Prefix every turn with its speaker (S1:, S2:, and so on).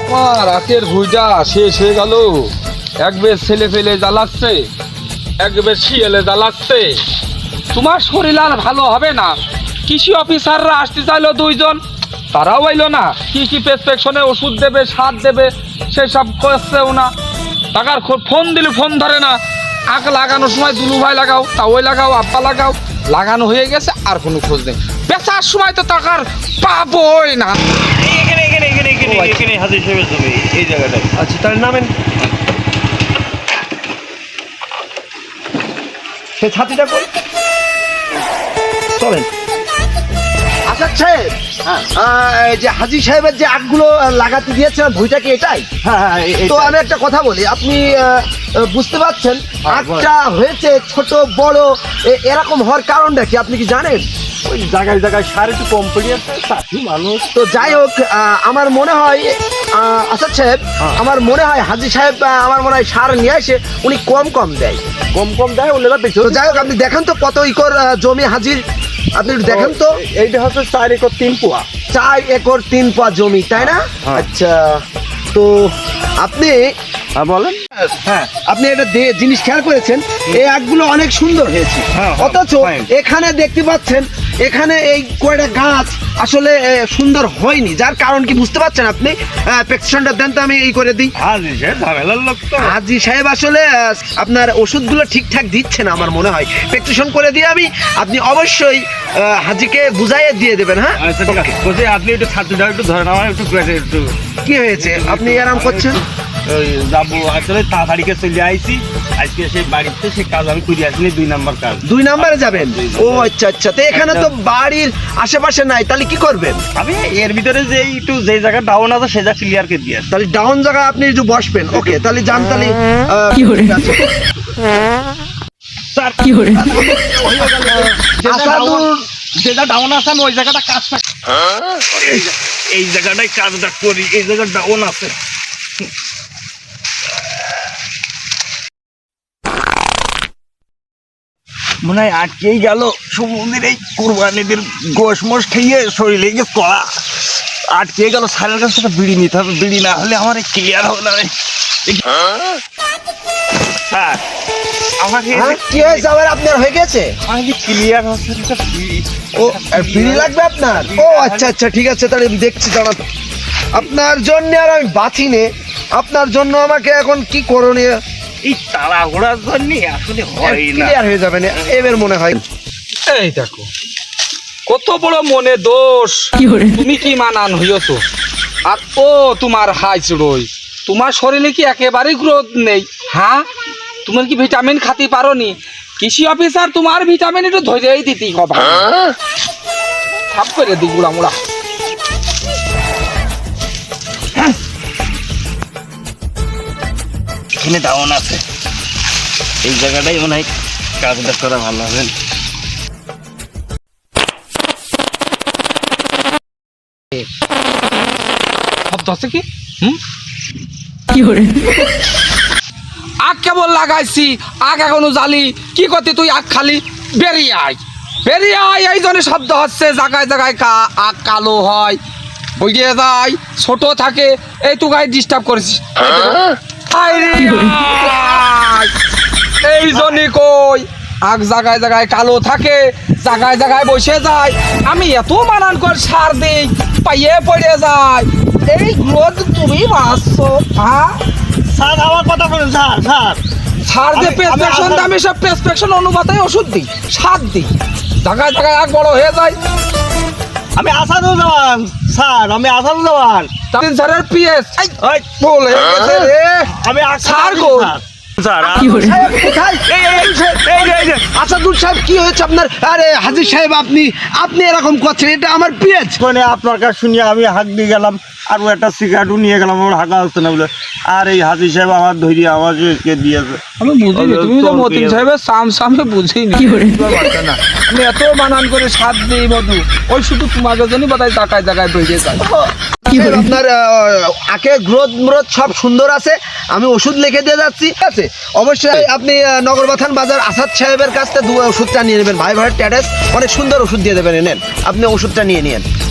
S1: রাতের ভুইটা শেষ হয়ে গেল। একবার ছেলে ফেলে জ্বালাচ্ছে, একবার শিয়ালে জ্বালাচ্ছে। তোমার শরীর আর ভালো হবে না। কৃষি অফিসাররা আসতে চাইলো 2 জন, তারাও এলো না। কি কি প্রেসক্রিপশনে ওষুধ দেবে, সার দেবে, সেসব করছেও না। টাকার ফোন দিলে ফোন ধরে না। আখ লাগানোর সময় দুলু ভাই লাগাও, তা ওই লাগাও, আব্বা লাগাও, লাগানো হয়ে গেছে, আর কোনো খোঁজ নেই। বেচার সময় তো টাকার পাবোই না।
S2: এখানে হাজির সাহেবের জমি এই জায়গাটায়। আচ্ছা তার নামেন সে ছাতিটা কই চলেন।
S3: আচ্ছা সাহেব, এই যে হাজি সাহেবের যে আখগুলো লাগাতে দিয়েছেন ভুঁইটা কি এটাই?
S2: হ্যাঁ
S3: তো আমি একটা কথা বলি, আপনি বুঝতে পারছেন আখটা হয়েছে ছোট বড় এরকম হওয়ার কারণটা কি আপনি কি জানেন?
S2: ওই জায়গায় জায়গায় সার একটু কম পড়ে আছে, চাষি মানুষ।
S3: তো যাই হোক, আমার মনে হয় আচ্ছা সাহেব, আমার মনে হয় হাজি সাহেব আমার মনে হয় সার নিয়ে আসে উনি কম দেয়।
S2: কম দেয় ওনারা বেশি।
S3: তো যাই হোক, আপনি দেখেন তো কত একর জমি হাজির, আপনি একটু দেখেন তো।
S2: এইটা হচ্ছে 4 একর 3 পোয়া।
S3: 4 একর 3 পোয়া জমি, তাই না?
S2: হ্যাঁ।
S3: আচ্ছা, তো আপনি
S2: বলেন। হ্যাঁ
S3: আপনি একটা জিনিস খেয়াল করেছেন, এই আখগুলো অনেক সুন্দর হয়েছে,
S2: হ্যাঁ,
S3: অথচ
S2: fine.
S3: এখানে দেখতে পাচ্ছেন এখানে এই কয়টা গাছ আসলে সুন্দর হয়নি। যার কারণ কি বুঝতে পারছেন আপনি? প্রেসক্রিপশনটা দেন তো, আমি এই করে দিই।
S2: হাজি সাহেব ঝামেলার লোক তো।
S3: হাজি সাহেব আসলে আপনার ওষুধগুলো ঠিকঠাক দিচ্ছে না আমার মনে হয়। প্রেসক্রিপশন করে দিয়ে আমি, আপনি অবশ্যই হাজিকে বুঝাইয়ে দিয়ে দেবেন। হ্যাঁ,
S2: আচ্ছা ঠিক আছে। বলছি আপনি একটু ছাত্রটা একটু ধরেন, আমার একটু পেটে একটু
S3: কি হয়েছে? আপনি আরাম করছেন?
S2: ওই যাবো আসলে তাড়াতাড়িকে চলে আইছি আজকে সেই বাড়িতে, সেই কাজ আমি করে আসিনি, 2 নম্বর কাজ।
S3: 2 নম্বরে যাবেন? ও আচ্ছা আচ্ছা, তো এখানে তো বাড়ির আশেপাশে নাই, তাহলে কি করবেন?
S2: আমি এর ভিতরে যে একটু যে জায়গা ডাউন আছে সেটা ক্লিয়ার করে দিয়ে আসি।
S3: তাহলে ডাউন জায়গায় আপনি একটু বসবেন। ওকে, তাহলে যান। তাহলে
S4: কি করে?
S2: স্যার
S4: কি করে?
S2: যেটা ডাউন আছে আমি ওই জায়গাটা কাজটা এই জায়গাটাই কাজটা করি, এই জায়গা ডাউন আছে। মনে হয় আটকেই গেল সমুদ্রের এই কোরবানিদের গোশ মোষ খেয়ে শরীরে গিয়ে কড়া আটকে গেল। সারের কাছ থেকে বিড়ি নিতে হবে, বিড়ি না হলে আমার ক্লিয়ার হবে না। স্যার আমাকে
S3: কি হয়েছে আবার? আপনার হয়ে গেছে?
S2: আমাকে ক্লিয়ার হচ্ছে না বিড়ি।
S3: ও বিড়ি লাগবে আপনার? ও আচ্ছা আচ্ছা, ঠিক আছে, তাহলে আমি দেখছি। দাঁড়ান, আপনার জন্য আর আমি বাঁচি নে। আপনার জন্য আমাকে এখন কি করণীয়?
S2: এই তাড়াহুড়ার জন্য আসলে হয় না।
S3: ক্লিয়ার হয়ে যাবে না এবার মনে হয়।
S1: এই দেখো কত বড় মনে দোষ।
S4: কি করে?
S1: তুমি কি মানান হইছো? আর ও তোমার হাই চড়ই, তোমার শরীরে কি একেবারেই গ্রোথ নেই? হ্যাঁ, তুমি কি ভিটামিন খাতে পারো নি? কৃষি অফিসার তোমার ভিটামিন একটু ধরেই দিতি কবা, সাফ করে দি গুড়া মুড়া।
S2: এখানে ডাউন আছে, এই জায়গাটাই মনে হয় কাজটা করা ভালো হবে।
S1: শব্দ আছে কি?
S4: কি করে?
S1: আখ কেবল লাগাইছি, আখ এখনো জালি। কি করতে তুই আখ খালি? বেরিয়ে আয়, বেরিয়ে আয়। এই জন্য শব্দ হচ্ছে, জায়গায় জায়গায় আখ কালো হয়, বইয়ে যায়, ছোট থাকে। এই তুই গায়ে ডিস্টার্ব করেছিস। এই জন্যই কই আখ জায়গায় জায়গায় কালো থাকে, জায়গায় জায়গায় বসে যায়। আমি এত মানান করে সার দিই, পাইয়ে পড়ে যায়। এই গ্রোথ তুমি বাঁচছো? হ্যাঁ
S2: স্যার আমার কথা বলুন। স্যার স্যার
S1: সার যে প্রেসক্রিপশন দাম, সব প্রেসক্রিপশন অনুপাতে ওষুধ দিই, সার দিই, জায়গায় জায়গায় আখ বড় হয়ে যায়।
S2: আমি আসাদুজ্জামান স্যার, আমি আসাদুজ্জামান।
S1: তিন স্যারের পিএস
S2: ওই
S1: বল হয়ে গেছে রে।
S2: আমি
S1: স্যার কই?
S2: স্যার
S4: কি করে?
S3: সাহেব কোথায়? আসাদুল সাহেব কি হয়েছে আপনার? আরে হাজির সাহেব, আপনি এরকম করছেন, এটা আমার পেজ।
S2: মানে আপনার কাছে শুনিয়ে আমি হাঁক দিয়ে গেলাম, আর ও একটা সিগারেটও নিয়ে গেলাম, আমার হাঁকা হচ্ছে না বলে। আর এই হাজির সাহেব আমার ধৈর্য আমাকে দিয়েছে।
S1: আমি বুঝিনি, তুমি তো মতিন সাহেবের সামনে বুঝিনি।
S4: কি করে?
S1: না, আমি এত বানান করে সাত দিই মধু, ওই শুধু তোমাকে জন্য বোধহয় জায়গায় জায়গায় বেরিয়ে যায়।
S4: কি করে?
S3: আপনার আখে গ্রোথ সব সুন্দর আছে, আমি ওষুধ লিখে দিয়ে যাচ্ছি। ঠিক আছে, অবশ্যই আপনি নগরবাথান বাজার আসাদ সাহেবের কাছ থেকে ওষুধটা নিয়ে নেবেন। ভাই ভাইয়ের ট্যাটাস অনেক সুন্দর ওষুধ দিয়ে দেবেন, নেন আপনি ওষুধটা নিয়ে নিন।